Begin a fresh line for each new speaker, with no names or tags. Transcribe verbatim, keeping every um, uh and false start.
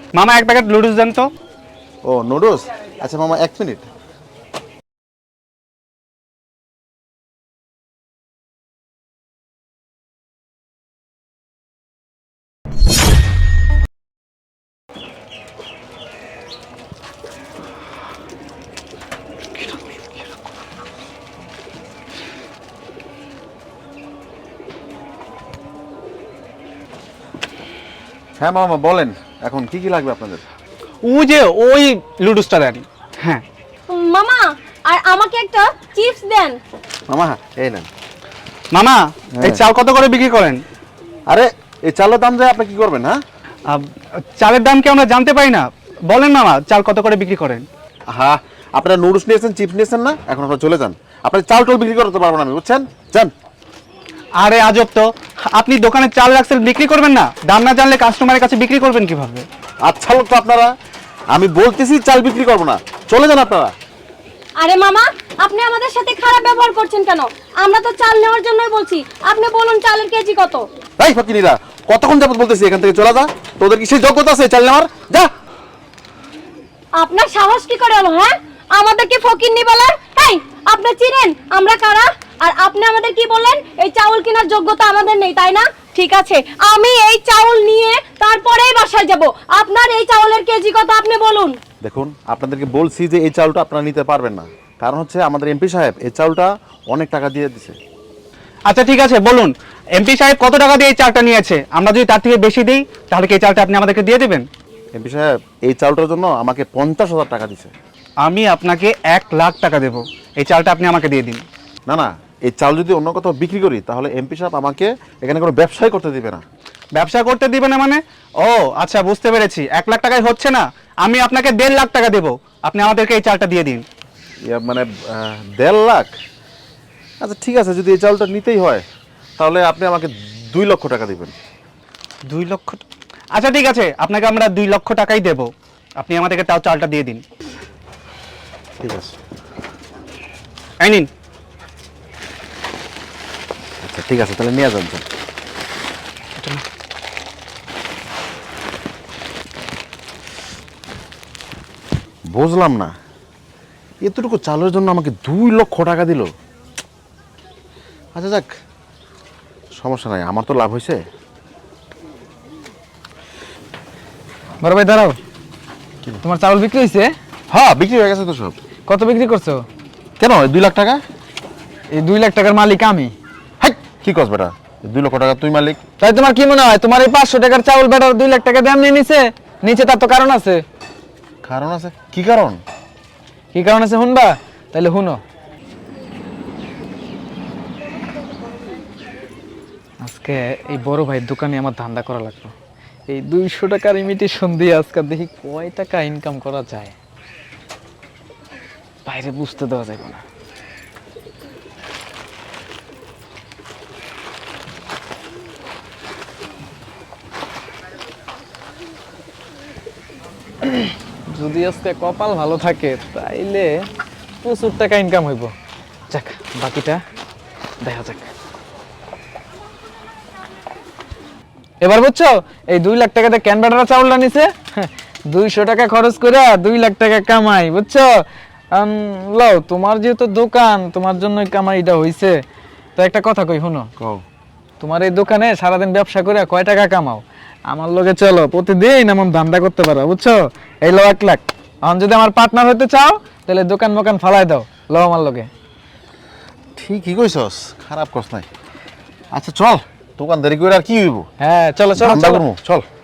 মামা এক packet noodles দেন তো।
ও নুডলস, আচ্ছা মামা এক মিনিট। হ্যাঁ মামা বলেন, এখন কি কি লাগবে আপনাদের?
ও যে ওই নুডলসটা দেন। হ্যাঁ
মামা, আর আমাকে একটা চিপস দেন।
মামা এই নেন।
মামা এই
হ্যাঁ।
চাল কত করে বিক্রি করেন?
আরে এই চালের দাম যায় আপনি কি করবেন? হ্যাঁ
আহ, চালের দাম কি আমরা জানতে পারি না? বলেন মামা চাল কত করে বিক্রি করেন?
হ্যাঁ, আপনারা নুডলস নিয়েছেন, চিপস নিয়েছেন না, এখন আপনারা চলে যান। আপনার চাল টাল বিক্রি করতে পারবো না আমি, বুঝছেন? যান।
আরে আজব তো, আপনি দোকানে চাল রাখছেন বিক্রি করবেন না? দাম না জানলে কাস্টমারের কাছে বিক্রি করবেন কিভাবে?
আচ্ছা লোক তো আপনারা, আমি বলতেছি চাল বিক্রি করবো না, চলে যান আপনারা।
আরে মামা, আপনি আমাদের সাথে খারাপ ব্যবহার করছেন কেন? আমরা তো চাল নেওয়ার জন্যই বলছি। আপনি বলুন চালের কেজি কত?
এই ফকিনীরা, কতক্ষণ যাবত বলতেছি এখান থেকে চলে যা। তোদের কি সেই যোগ্যতা আছে চাল নেওয়ার? যা।
আপনার সাহস কি করে হলো? হ্যাঁ, আমাদেরকে ফকিন্নি বলার? এই, আপনি চিনেন আমরা কারা? আর আপনি আমাদের কি বললেন? এই চাউল কেনার যোগ্যতা আমাদের নেই, তাই না? ঠিক আছে, আমি এই চাউল নিয়ে তারপরেই বাসায় যাব। আপনার এই চাউলের কেজি কত আপনি বলুন।
দেখুন, আপনাদেরকে বলছি যে এই চাউলটা আপনারা নিতে পারবেন না, কারণ হচ্ছে আমাদের এমপি সাহেব এই চাউলটা অনেক টাকা দিয়ে দিছে।
আচ্ছা ঠিক আছে, বলুন এমপি সাহেব কত টাকা দিয়ে এই চালটা নিয়েছে? আমরা যদি তার থেকে বেশি দিই তাহলে কি এই চালটা আপনি আমাদেরকে দিয়ে দেবেন?
এমপি সাহেব এই চাউলটার জন্য আমাকে পঞ্চাশ হাজার টাকা দিছে।
আমি আপনাকে এক লাখ টাকা দেবো, এই চালটা আপনি আমাকে দিয়ে দিন।
না না, এই চাল যদি অন্য কোথাও বিক্রি করি তাহলে এমপি সাহেব আমাকে এখানে কোনো ব্যবসাই করতে দিবে না।
ব্যবসা করতে দিবে না মানে? ও আচ্ছা, বুঝতে পেরেছি। এক লাখ টাকায় হচ্ছে না, আমি আপনাকে দেড় লাখ টাকা দেবো, আপনি আমাদেরকে এই চালটা দিয়ে দিন।
ইয়া মানে আহ, দেড় লাখ? আচ্ছা ঠিক আছে, যদি এই চাউলটা নিতেই হয় তাহলে আপনি আমাকে দুই লক্ষ টাকা দিবেন।
দুই লক্ষ টা- আচ্ছা ঠিক আছে, আপনাকে আমরা দুই লক্ষ টাকাই দেবো, আপনি আমাদেরকে তাও চালটা দিয়ে দিন।
ঠিক আছে।
এই নিন।
আচ্ছা ঠিক আছে, তাহলে নিয়ে যান। যান। বুঝলাম না, এতটুকু চালের জন্য আমাকে দুই লক্ষ টাকা দিল। আচ্ছা যাক, সমস্যা নাই, আমার তো লাভ হয়েছে।
বড় ভাই দাঁড়াও, তোমার চাউল বিক্রি হয়েছে?
হ্যাঁ বিক্রি হয়ে গেছে তো সব।
কত বিক্রি করছো?
কেন এই দুই লাখ টাকা?
এই দুই লাখ টাকার মালিক আমি।
হাই কি কস বেটা, এই দুই লক্ষ টাকা তুই মালিক?
তাই তোমার কি মনে হয় তোমার এই পাঁচশো টাকার চাউল বেটার দুই লাখ টাকা দাম নিয়ে নিছে? নিচে তার তো কারণ আছে।
কারণ আছে? কি কারণ?
কি কারণ আছে শুনবা? তাহলে শুনো। আজকে এই বড় ভাইয়ের দোকানে আমার ধান্দা করা লাগলো। এই দুইশো টাকার ইমিটেশন দিয়ে আজকে দেখি কয় টাকা ইনকাম করা যায়, বাইরে বুঝতে দেওয়া যাবে না। যদি আজকে কপাল ভালো থাকে তাইলে প্রচুর টাকা ইনকাম হইব। যাক, বাকিটা দেখা যাক। এবার বুঝছো, এই দুই লাখ টাকাতে ক্যান ব্যাটারা চাউলটা নিছে, দুইশো টাকা খরচ করে দুই লাখ টাকা কামাই, বুঝছো? লও, তোমার যেহেতু দোকান, তোমার জন্য কামাইটা হইছে। তো একটা কথা কই শুনো,
কও।
তোমার এই দোকানে সারাদিন ব্যবসা করে কয় টাকা কামাও? আমার লগে চলো, প্রতিদিন এমন ধান্দা করতে পারো, বুঝছো? এই লো এক লাখ, এখন যদি আমার পার্টনার হতে চাও তাহলে দোকান মোকান ফালাই দাও, লো আমার লগে।
ঠিকই কইছস, খারাপ কস নাই। আচ্ছা চল, দোকানদারি করে আর কি হইব?
হ্যাঁ চলো চলো
ধান্দা
চলো।
করবো, চল।